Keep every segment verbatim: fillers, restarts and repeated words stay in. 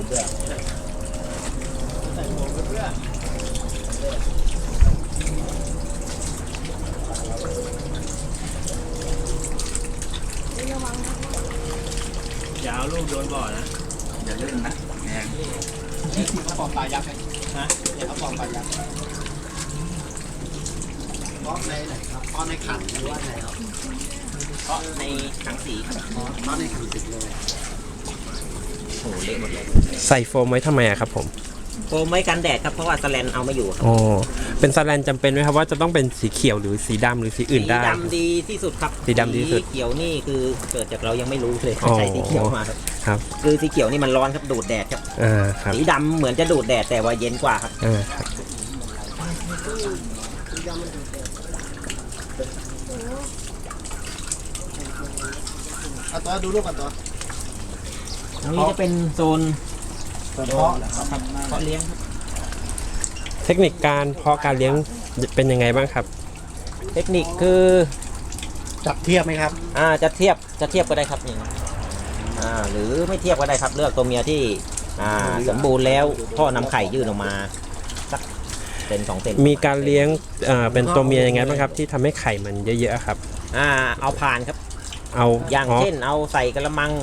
เบื่อใส่หมวกเพื่อยาวลูกโดนบ่อนะอย่าลื่นนะแงนี่คือเขาปองปลายักษ์ไหมฮะเนี่ยเขาปองปลายักษ์เพราะในไหนครับเพราะในขันหรือว่าในครับเพราะในถังสีครับเพราะในถังสีเลยโอ้เละหมดเลยใส่โฟมไว้ทำไมอะครับผมโฟมไว้กันแดดครับเพราะว่าสแลนเอาไม่อยู่อ๋อเป็นสแลนจำเป็นไหมครับว่าจะต้องเป็นสีเขียวหรือสีดำหรือสีอื่นได้สีดำดีที่สุดครับสีดำดีที่สุดสีเขียวนี่คือเกิดจากเรายังไม่รู้เลยใช้สีเขียวมาครับครับคือสีเขียวนี่มันร้อนครับดูดแดดครับอ่าครับสีดำเหมือนจะดูดแดดแต่ว่าเย็นกว่าครับอ่าครับเอาตัวดูรูปกันตัวตรงนี้จะเป็นโซนเพาะครับเพาะเลี้ยงครับเทคนิคการเพาะการเลี้ยงเป็นยังไงบ้างครับเทคนิคคือจับเทียบไหมครับอ่าจะเทียบจะเทียบก็ได้ครับนี่อ่าหรือไม่เทียบก็ได้ครับเลือกตัวเมียที่อ่าสมบูรณ์แล้วพ่อนำไข่ยื่นออกมาสักเซนสองเซนมีการเลี้ยงอ่าเป็นตัวเมียยังไงบ้างครับที่ทำให้ไข่มันเยอะๆครับอ่าเอาผ่านครับเอาอย่างเช่นเอาใส่กระมัง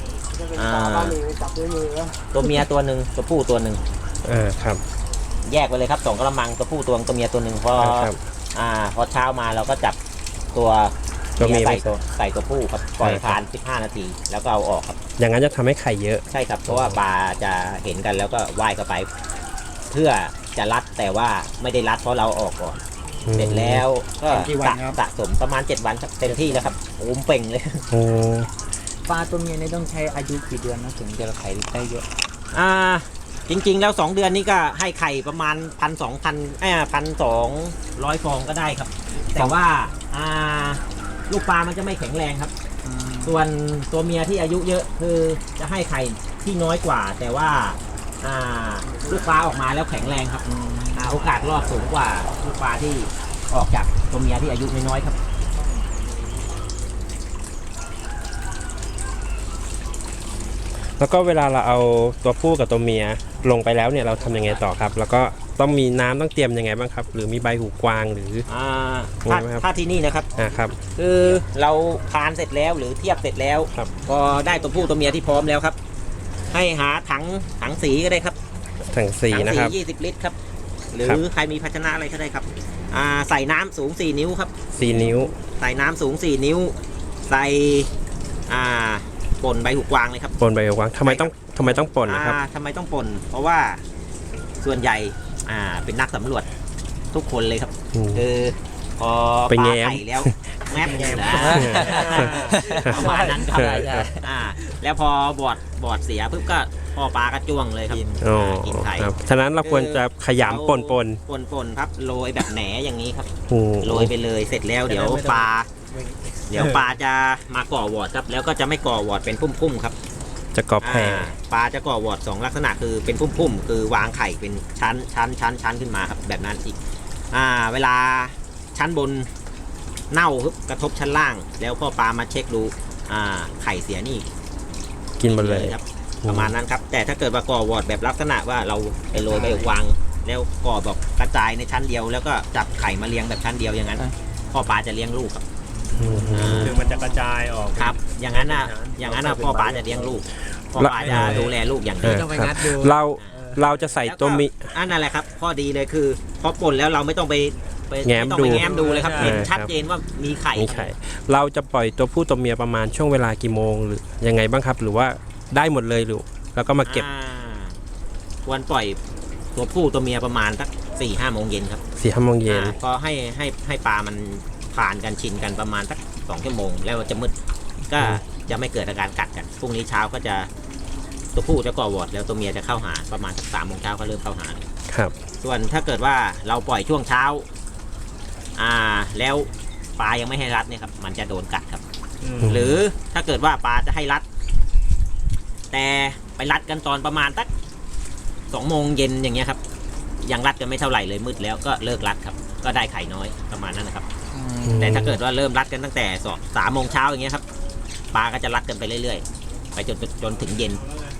ตัวเมียตัวหนึ่งตัวผู้ตัวหนึ่งอ่าครับแยกไปเลยครับสองกระมังตัวผู้ตัวตัวเมียตัวหนึ่งพออ่าพอเช้ามาเราก็จับตัวตัวเมียใส่ตัวใส่ตัวผู้ครับปล่อยผ่านสิบห้านาทีแล้วก็เอาออกครับอย่างนั้นจะทำให้ไข่เยอะใช่ครับเพราะว่าปลาจะเห็นกันแล้วก็ว่ายเข้าไปเพื่อจะรัดแต่ว่าไม่ได้รัดเพราะเราออกก่อนเสร็จแล้วก็สะสมประมาณเจ็ดวันเต็มที่แล้วครับโอ้มเป่งเลยโอ้ปลาตัวเมียนี่ต้องใช้อายุกี่เดือนนะถึงจะไข่ได้เยอะอ่าจริงๆแล้วสองเดือนนี้ก็ให้ไข่ประมาณพันสองพันเอ้พันสองร้อยฟองก็ได้ครับแต่ว่าอ่าลูกปลามันจะไม่แข็งแรงครับส่วนตัวเมียที่อายุเยอะคือจะให้ไข่ที่น้อยกว่าแต่ว่าอ่าลูกปลาออกมาแล้วแข็งแรงครับอ่าโอกาสรอดสูงกว่าลูกปลาที่ออกจากตัวเมียที่อายุน้อยๆครับแล้วก็เวลาเราเอาตัวผู้กับตัวเมียลงไปแล้วเนี่ยเราทำยังไงต่อครับแล้วก็ต้องมีน้ำต้องเตรียมยังไงบ้างครับหรือมีใบหูกวางหรืออ่าถ้าถ้าที่นี่นะครับอ่าครับคือเราพานเสร็จแล้วหรือเทียบเสร็จแล้วพอได้ตัวผู้ตัวเมียที่พร้อมแล้วครับให้หาถังถังสีก็ได้ครับถังสีนะครับยี่สิบลิตรครับหรือใครมีภาชนะอะไรก็ได้ครับอ่าใส่น้ำสูงสี่นิ้วครับสี่นิ้วใส่น้ำสูงสี่นิ้วใส่อ่าป่นใบหูกวางเลยครับป่นใบหูกวางทำไมต้องทำไมต้องป่นนะครับทำไมต้องป่นเพราะว่าส่วนใหญ่อ่าเป็นนักสำรวจทุกคนเลยครับคือพอปลาไข่แล้วแมบแง้มประมาณนั้นครับอ่าแล้วพอบอดบอดเสียปุ๊บก็พอปลากระจ้วงเลยครับกินไข่ฉะนั้นเราควรจะขยำป่นป่นป่นป่นครับโรยแบบแหนอย่างนี้ครับโรยไปเลยเสร็จแล้วเดี๋ยวปลาเดี๋ยวปลาจะมาก่อวอร์ดครับแล้วก็จะไม่ก่อวอร์ดเป็นพุ่มๆครับจะก่อแผ่ปลาจะก่อวอร์ดสองลักษณะคือเป็นพุ่มๆคือวางไข่เป็นชั้นชั้นชั้นชั้นขึ้นมาครับแบบนั้นอีกอ่าเวลาชั้นบนเน่ากระทบชั้นล่างแล้วพ่อปลามาเช็คดูอ่าไข่เสียนี่กินหมดเลยครับประมาณนั้นครับแต่ถ้าเกิดว่าก่อวอร์ดแบบลักษณะว่าเราไปโรยไปวางแล้วก่อแบบกระจายในชั้นเดียวแล้วก็จับไข่มาเลี้ยงแบบชั้นเดียวอย่างนั้นพ่อปลาจะเลี้ยงลูกครับคือมันจะกระจายออกครับอย่างนั้นอ่ะอย่างนั้นอ่ะพ่อปลาจะเลี้ยงลูกพ่อปลาจะดูแลลูกอย่างดีเราเราจะใส่ตัวมิอันนั่นแหละครับข้อดีเลยคือพอป่นแล้วเราไม่ต้องไปแง้มดูแง้มดูเลยครับเห็นชัดเจนว่ามีไข่มีไข่เราจะปล่อยตัวผู้ตัวเมียประมาณช่วงเวลากี่โมงหรือยังไงบ้างครับหรือว่าได้หมดเลยหรือแล้วก็มาเก็บควรปล่อยตัวผู้ตัวเมียประมาณสักสี่ห้าโมงเย็นครับสี่ห้าโมงเย็นก็ให้ให้ให้ปลามันผ่านกันชินกันประมาณสักสองชั่วโมงแล้วจะมืดก็จะไม่เกิดอาการกัดกันพรุ่งนี้เช้าก็จะตัวผู้จะก่อวอร์ดแล้วตัวเมียจะเข้าหาประมาณสักสามโมงเช้าก็เริ่มเข้าหาครับส่วนถ้าเกิดว่าเราปล่อยช่วงเช้าอ่าแล้วปลายังไม่ให้รัดเนี่ยครับมันจะโดนกัดครับหรือถ้าเกิดว่าปลาจะให้รัดแต่ไปรัดกันตอนประมาณสักสองโมงเย็นอย่างเงี้ยครับยังรัดกันไม่เท่าไหร่เลยมืดแล้วก็เลิกรัดครับก็ได้ไข่น้อยประมาณนั้นนะครับแต่ถ้าเกิดว่าเริ่มรัดกันตั้งแต่สองสามโมงเช้าอย่างเงี้ยครับปลาก็จะรัดกันไปเรื่อยๆไปจนจนถึงเย็น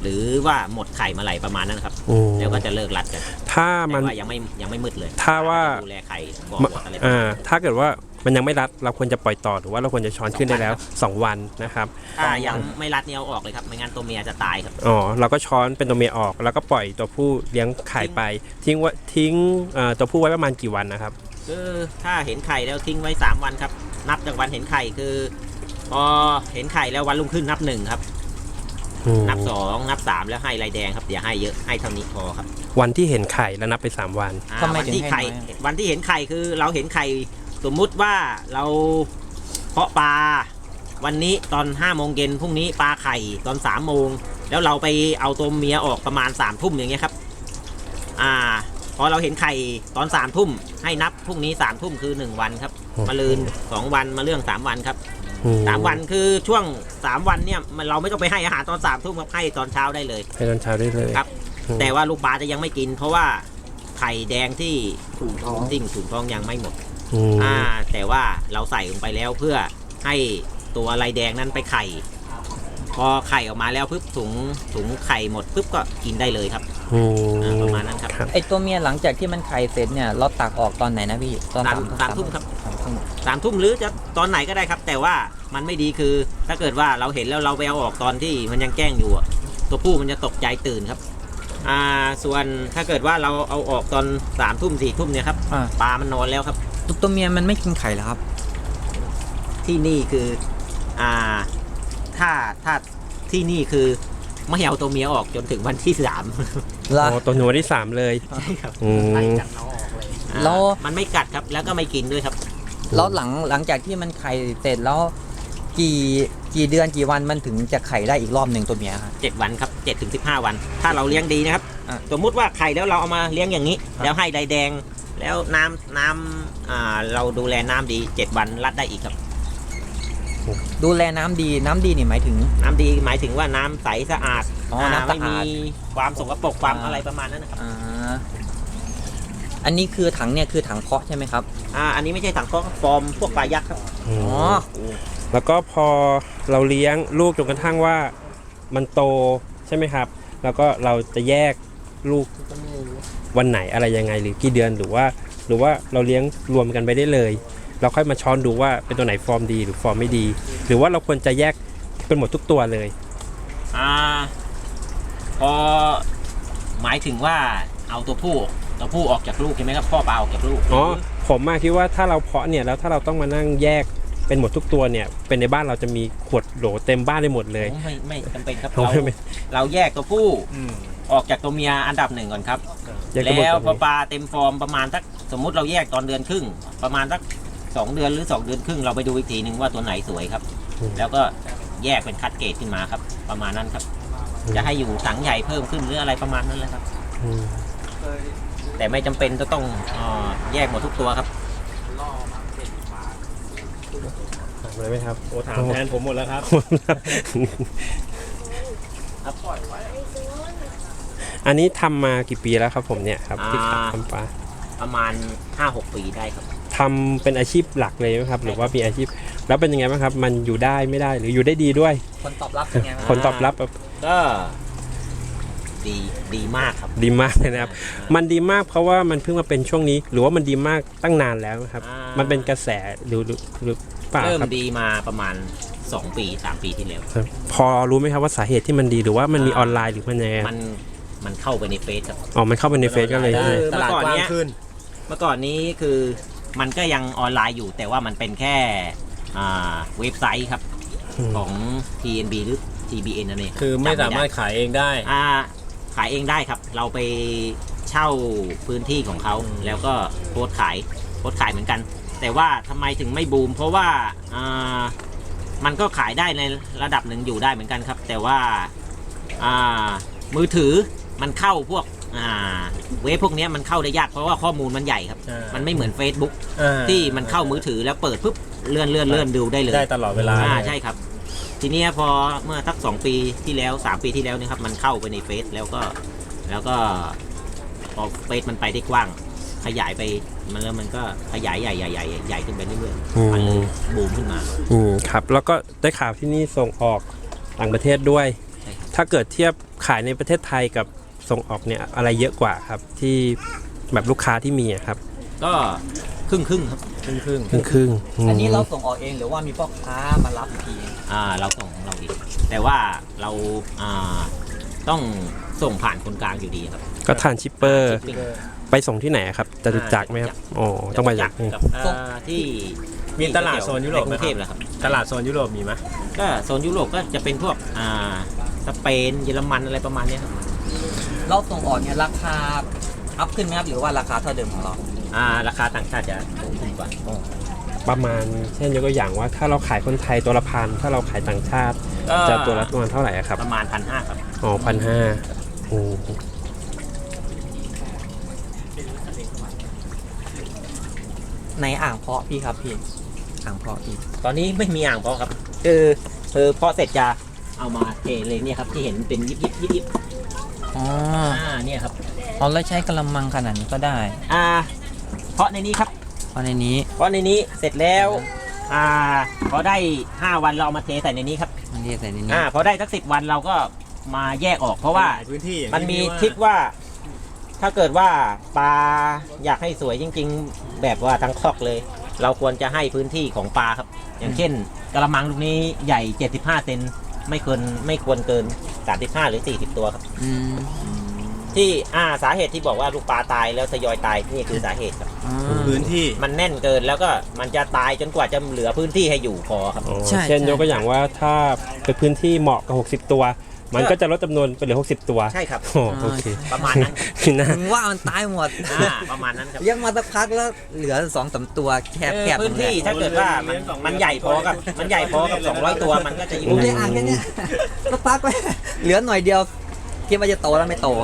หรือว่าหมดไข่เมื่อไหร่ประมาณนั้นครับอืมแล้วก็จะเลิกรัดกันถ้าแต่มันว่ายังไม่ยังไม่มืดเลยถ้าว่าดูแลไข่ก่อนหมดอะไรประอ่ามาณนั้นถ้าเกิดว่ามันยังไม่รัดเราควรจะปล่อยต่อหรือว่าเราควรจะช้อนขึ้นได้แล้วสองวันนะครับถ้ายังไม่รัดเนี่ยเอาออกเลยครับไม่งั้นตัวเมียจะตายครับอ๋อเราก็ช้อนเป็นตัวเมียออก แล้วก็ปล่อยตัวผู้เลี้ยงไข่ไป ทิ้งไว้ทิ้งเอ่อตัวผู้ไว้ประมาณกี่วันนะครับคือถ้าเห็นไข่แล้วทิ้งไว้สามวันครับนับจากวันเห็นไข่คือ พอเห็นไข่แล้ววันรุ่งขึ้นนับหนึ่งครับอืมนับสองนับสามแล้วให้ลายแดงครับอย่าให้เยอะให้เท่านี้พอครับวันที่เห็นไข่แล้วนับไปสามวันอ่าทำไมวันถึงที่ให้ไข่น้อยอะวันที่เห็นไข่คือเราเห็นไข่สมมุติว่าเราเพาะปลาวันนี้ตอนห้าโมงเย็นพรุ่งนี้ปลาไข่ตอนสามโมงแล้วเราไปเอาตัวเมียออกประมาณสามทุ่มอย่างเงี้ยครับอ่าพอเราเห็นไข่ตอนสามทุ่มให้นับพรุ่งนี้สามทุ่มคือหนึ่งวันครับอืมมาลืนสองวันมาเรื่องสามวันครับอืสามวันคือช่วงสามวันเนี่ยมันเราไม่ต้องไปให้อาหารตอนสามทุ่มครับให้ตอนเช้าได้เลยให้ตอนเช้าได้เลยครับอืมแต่ว่าลูกปลาจะยังไม่กิน เพราะว่าไข่แดงที่ถุงท้องสิ่งถุงท้องยังไม่หมดอืมอ่าแต่ว่าเราใส่ลงไปแล้วเพื่อให้ตัวลายแดงนั้นไปไข่ พอไข่ออกมาแล้วปุ๊บถุงถุงไข่หมดปุ๊บก็กินได้เลยครับอือ่าประมาณนั้นครับครับไอตัวเมียหลังจากที่มันไข่เสร็จเนี่ยเราตักออกตอนไหนนะพี่ตอนสามสามทุ่มครับสามทุ่มสามทุ่มหรือจะตอนไหนก็ได้ครับ แต่ว่ามันไม่ดีคือ ถ้าเกิดว่าเราเห็นแล้วเราไปเอาออกตอนที่มันยังแกล้งอยู่อะตัวผู้มันจะตกใจตื่นครับอ่าส่วนถ้าเกิดว่าเราเอาออกตอนสามทุ่มสี่ทุ่มเนี่ยครับอ่าปลามันนอนแล้วครับตัวตัวเมียมันไม่กินไข่เหรอครับที่นี่คืออ่าถ้าถ้าที่นี่คือไม่เอาตัวเมียออกจนถึงวันที่สามละอ๋อตัวหนูวันที่สามเลยใช่ครับอืไล่มกันเอาออกเลยแล้วมันไม่กัดครับแล้วก็ไม่กินด้วยครับแล้วหลังหลังจากที่มันไข่เสร็จแล้วกี่กี่เดือนกี่วันมันถึงจะไข่ได้อีกรอบหนึ่งตัวเมียครับเจ็ดวันครับเจ็ดถึงสิบห้าวัน ถ้าเราเลี้ยงดีนะครับอ่ะสมมุติว่าไข่แล้วเราเอามาเลี้ยงอย่างนี้ แล้วให้ใดแดง แล้วน้ำน้ำอ่าเราดูแลน้ำดีเจ็ดวันรัดได้อีกครับดูแลน้ำดีน้ำดีนี่หมายถึงน้ำดีหมายถึงว่าน้ำใสสะอาดอ๋อน้ำสะอาดไม่มีความสกปรกความอ่าอะไรประมาณนั้นนะครับอ่าอันนี้คือถังเนี่ยคือถังเพาะใช่ไหมครับอ่าอันนี้ไม่ใช่ถังก็ฟอร์มพวกปลายักษ์ครับอืมอ๋อแล้วก็พอเราเลี้ยงลูกจนกระทั่งว่ามันโตใช่ไหมครับ แล้วก็เราจะแยกลูกวันไหนอะไรยังไงหรือกี่เดือนหรือว่า หรือว่าเราเลี้ยงรวมกันไปได้เลย เราค่อยมาช้อนดูว่าเป็นตัวไหนฟอร์มดีหรือฟอร์มไม่ดี หรือว่าเราควรจะแยกเป็นหมดทุกตัวเลยอ่าพอหมายถึงว่าเอาตัวผู้ตัวผู้ออกจากลูกใช่ไหมครับพ่อปลาออกจากลูกอ๋อผมมาคิดว่าถ้าเราเพาะเนี่ยแล้วถ้าเราต้องมานั่งแยกเป็นหมดทุกตัวเนี่ยเป็นในบ้านเราจะมีขวดโหลเต็มบ้านได้หมดเลยไม่ไม่จำเป็นครับเราเราไม่เป็นเราแยกตัวผู้ออกจากตัวเมียอันดับหนึ่งก่อนครับแยกทั้งหมดแล้วก่อนพอปลาเต็มฟอร์มประมาณสักสมมุติเราแยกตอนเดือนครึ่ง ประมาณสักสองเดือนหรือสองเดือนครึ่งเราไปดูอีกทีหนึ่งว่าตัวไหนสวยครับ แล้วก็แยกเป็นคัดเกรดขึ้นมาครับ ประมาณนั้นครับ จะให้อยู่ถังใหญ่เพิ่มขึ้นหรืออะไรประมาณนั้นแหละครับอืมแต่ไม่จำเป็นจะต้องเอ่อแยกหมดทุกตัวครับถามเลยไหมครับโอ้ถามแทนผมหมดแล้วครับอันนี้ทำมากี่ปีแล้วครับผมเนี่ยครับที่อ่าทำปลาประมาณ ห้าหก ปีได้ครับทำเป็นอาชีพหลักเลยไหมครับ หรือว่ามีอาชีพแล้วเป็นยังไงบ้างครับ มันอยู่ได้ไม่ได้หรืออยู่ได้ดีด้วยผลตอบรับเป็นไงบ้างผลตอบรับแบบก็ดีดีมากครับดีมากเลยนะครับ มันดีมากเพราะว่ามันเพิ่งมาเป็นช่วงนี้ หรือว่ามันดีมากตั้งนานแล้วครับอ่ามัมันเป็นกระแสหรือหรือหรือเปล่าเริ่มครับดีมาประมาณ สอง ปี สาม ปีที่แล้วครับพอรู้ไหมครับว่าสาเหตุที่มันดีหรือว่ามันมีออนไลน์หรือมันยังไงมันมันเข้าไปในเฟซครับอ๋อมันเข้าไปในเฟซก็เลยได้ใช่ตลาดกว้างขึ้นเมื่อก่อนนี้คือมันก็ยังออนไลน์อยู่ แต่ว่ามันเป็นแค่อ่าเว็บไซต์ครับอืมของ ที เอ็น บี หรือ ที บี เอ็น นั่นเองคือไม่จำสามารถด้ขายเองได้อ่าขายเองได้ครับ เราไปเช่าพื้นที่ของเขาอืมแล้วก็โพสต์ขายโพสต์ขายเหมือนกัน แต่ว่าทำไมถึงไม่บูม เพราะว่าอ่ามันก็ขายได้ในระดับหนึ่งอยู่ได้เหมือนกันครับ แต่ว่าอ่ามือถือมันเข้าพวกอ่าเว็บพวกเนี้ยมันเข้าได้ยากเพราะว่าข้อมูลมันใหญ่ครับอ่ามัมันไม่เหมือน Facebook อ่าที่มันเข้ามือถือแล้วเปิดปุ๊บเลื่อนเลื่อนเลื่อนดูได้เลยได้ตลอดเวลาอ่าเลยใช่ครับ ทีเนี้ยพอเมื่อสักสองปีที่แล้วสามปีที่แล้วเนี่ยครับมันเข้าไปในเฟซแล้วก็แล้วก็พอเฟซมันไปได้กว้าง ขยายไปมันแล้วมันก็ขยายใหญ่ใหญ่ใหญ่ใหญ่ขึ้นไปเรื่อยอืมๆมันเลยบูมขึ้นมาอืมครับแล้วก็ได้ข่าวที่นี่ส่งออกต่างประเทศด้วยใช่ครับถ้าเกิดเทียบขายในประเทศไทยกับส่งออกเนี่ยอะไรเยอะกว่าครับที่แบบลูกค้าที่มีอะครับก็ครึ่งครึ่งๆครับครึ่งครึ่งครึ่งครึ่งๆมอันนี้เราส่งออกเองหรือว่ามีพ่อค้ามารับอีกทีอ่าเราส่งของเราเองแต่ว่าเราอ่าต้องส่งผ่านคนกลางอยู่ดีครับก็ทานชิปเปอร์ชิปปิ้งไปส่งที่ไหนครับจตุจักรไหมครับอ๋อต้องไปจากกับเอ่อที่มีตลาดโซนยุโรปในกไหมรุงคเทรัพบแหละครับตลาดโซนยุโรปมีไหมก็โซนยุโรปก็จะเป็นพวกอ่าสเปนเยอรมันอะไรประมาณเนี้ยครับเราส่งออกเนี่ยราคาอัพขึ้นไหมครับหรือว่าราคาเท่าเดิมของเราอ่าราคาต่างชาติจะสูงขึ้นกว่าประมาณเช่นยกตัวอย่างว่าถ้าเราขายคนไทยตัวละพันถ้าเราขายต่างชาติก็จะตัวละประมาณเท่าไหร่อะครับประมาณพันห้าครับอ๋อพันห้าโอ้ในอ่างเพาะพี่ครับพี่อ่างเพาะพี่ตอนนี้ไม่มีอ่างเพาะครับคือคือเพาะเสร็จจะเอามาเทเลยเนี่ยครับที่เห็นเป็นยิบยิบยิบยิบอ๋ออ่าเนี่ยครับเอาแล้วใช้กระมังขนาดนี้ก็ได้อ่าเพาะในนี้ครับเพราะในนี้เพราะในนี้เสร็จแล้วอ่าพอได้ห้าวันเราเอามาเทใส่ในนี้ครับมันเรียกใส่ในนี้อ่าพอได้สักสิบวันเราก็มาแยกออกเพราะว่าหลยพื้นที่อย่างมันมีว่าทริกว่า ถ้าเกิดว่าปลาอยากให้สวยจริง ๆ แบบว่าทั้งคอกเลย เราควรจะให้พื้นที่ของปลาครับ อย่างเช่นกระมังลูกนี้ใหญ่เจ็ดสิบห้าเซนไม่ควรไม่ควรเกินสามสิบห้าหรือสี่สิบตัวครับอืมที่อ่าสาเหตุที่บอกว่าลูกปลาตายแล้วทยอยตายนี่คือสาเหตุครับอ๋อพื้นที่มันแน่นเกินแล้วก็มันจะตายจนกว่าจะเหลือพื้นที่ให้อยู่พอครับอ๋อใช่เช่นใช่ยกตัวอย่างว่าถ้าเป็นพื้นที่เหมาะกับหกสิบตัว มันก็จะลดจำนวนไปเหลือหกสิบตัวใช่ครับอ๋อโอเคประมาณนั้นคือนะถึงว่ามันตายหมดอ่าประมาณนั้นครับเลี้ยงมาสักพักแล้วเหลือสองสามตัวแคบเออแคบพื้นที่ถ้าเกิดว่ามันมันใหญ่พอกับมันใหญ่พอกับสองร้อยตัวมันก็จะอยู่ผมได้เลี้ยงอ่างแค่เนี้ยสักพักไปเหลือหน่อยเดียวคิดว่าจะโตแล้วไม่โต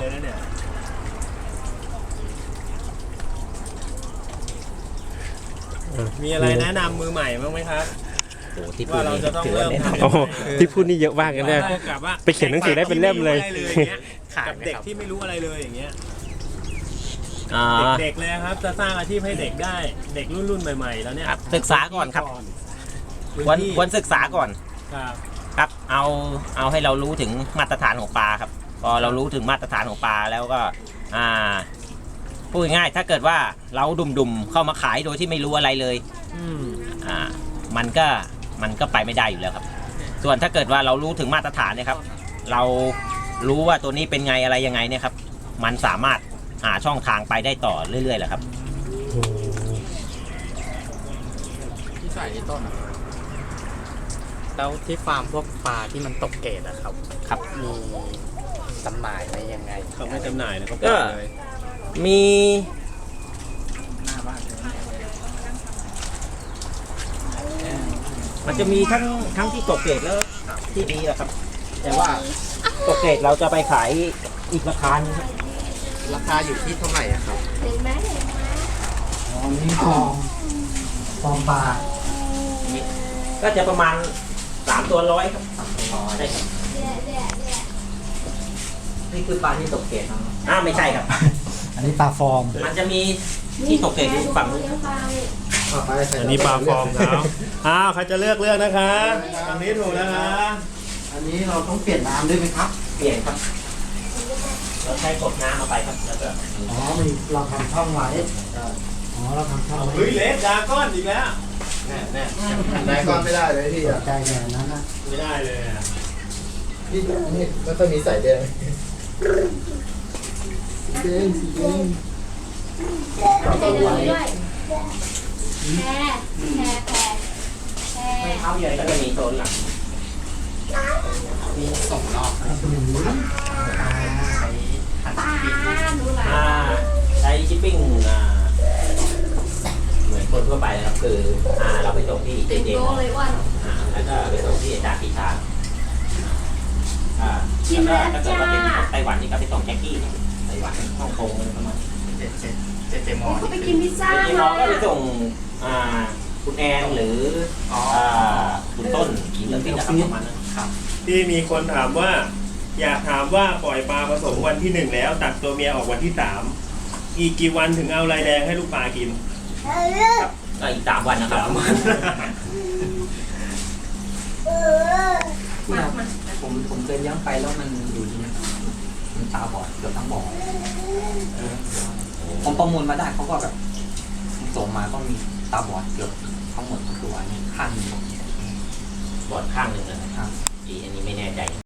มีอะไรแนะนำมือใหม่บ้างไหมครับโอ้โหที่พูว่าดเรานี่จะต้องถือเริ่ว่าม แนะนทำโอ้โหที่พูดนี่เยอะมากเลยเนี่ยเท่ากับว่าไปเขียนหนังสือได้เป็นเล่มเลยกับเด็กที่ไม่รู้อะไรเลยอย่างเงี้ยำอ่าเด็กๆเลยครับจะสร้างอาชีพให้เด็กได้เด็กรุ่นรุ่นๆใหม่ๆแล้วเนี่ยครับศึกษาก่อนครับพื้นควรที่ควรศึกษาก่อนครับครับเอาเอาให้เรารู้ถึงมาตรฐานของปลาครับพอเรารู้ถึงมาตรฐานของปลาแล้วก็อ่าพูดง่ายๆถ้าเกิดว่าเราดุมๆเข้ามาขายโดยที่ไม่รู้อะไรเลยอืมอ่ามันก็มันก็ไปไม่ได้อยู่แล้วครับ ส่วนถ้าเกิดว่าเรารู้ถึงมาตรฐานเนี่ยครับ เรารู้ว่าตัวนี้เป็นไงอะไรยังไงเนี่ยครับ มันสามารถหาช่องทางไปได้ต่อเรื่อยๆแหละครับที่ใส่ที่ต้นอะแล้วที่ฟาร์มพวกปลาที่มันตกเกรดอะครับครับมีจำหน่ายอะไรยังไงเขาไม่จำหน่ายนะเขาก็ปล่อยเลยมี มันจะมีทั้งทั้งที่ตกเกรดแล้วที่ดีอะครับ แต่ว่าตกเกรดเราจะไปขายอีกราคาหนึงครับราคาอยู่ที่เท่าไหร่อะครับอ๋อนี่ฟองฟองปลาก็จะประมาณสามตัวร้อยครับใช่ครับนี่คือปลาที่ตกเกรดเนาะอ้าวไม่ใช่ครับอันนี้ปลาฟอร์มมันจะมีที่ตกเกรดอยู่ฝั่งนู้นครับอันนี้ปลาฟอร์มเขาอ้าวใครจะเลือกเลือกนะคะตรงนี้ถูกนะคะอันนี้เราต้องเปลี่ยนน้ำด้วยไหมครับเปลี่ยนครับ เราใช้กดน้ำเอาไปครับแล้วก็อ๋อมีเราทำช่องไว้อ๋อเราทำช่องไว้เฮ้ยเล็กดราก้อนอีกแล้วแน่แน่ไหนก้อนไม่ได้เลยพี่อะใจแบบนั้นนะไม่ได้เลยอะพี่อันนี้ไม่ค่อยมีใส่แดงสีแดงสีแดงใจดีด้วยแพรแพรแพรแพรไม่เท้าใหญ่ก็จะมีโซนหลังมีสองรอบนะปลาหนูหลาอ่าใช้ชิปปิ้งอ่าเหมือนคนทั่วไปเลยครับคืออ่าเราไปส่งที่เจเต็มเจโตะเลยว่าอ่าแล้วก็ไปส่งที่อาจารย์ปีชาอ่าชิมแล้วถ้าเกิดจ้าว่าเป็นไต้หวันนี่ก็ไปส่งแจ็คกี้ไต้หวันฮ่องกงอะไรประมาณเจ็ดเจ็ดเจ็ดเจ็ดมอเขาไปกินพิซซ่าเจมาก็ไปส่งอ่าคุณแอนหรืออ่าคุณต้นกินเรื่องที่จะทำประมาณนั้นที่มีคนถามว่า อยากถามว่าปล่อยปลาผสมวันที่หนึ่งแล้วตัดตัวเมียออกวันที่สามอีกกี่วันถึงเอาลายแดงให้ลูกปลากินก็อีกสามวันนะครับที่เราผมผมเคยเลี้ยงไปแล้วมันอยู่ที่นี่ตาบอดเกือบทั้งบ่อผมประมูลมาได้เขาก็แบบส่งมาก็มีตาบอดเกือบทั้งหมดทุกตัวนี่ข้างหนึ่งบอดข้างหนึ่งนะครับอีอันนี้ไม่แน่ใจ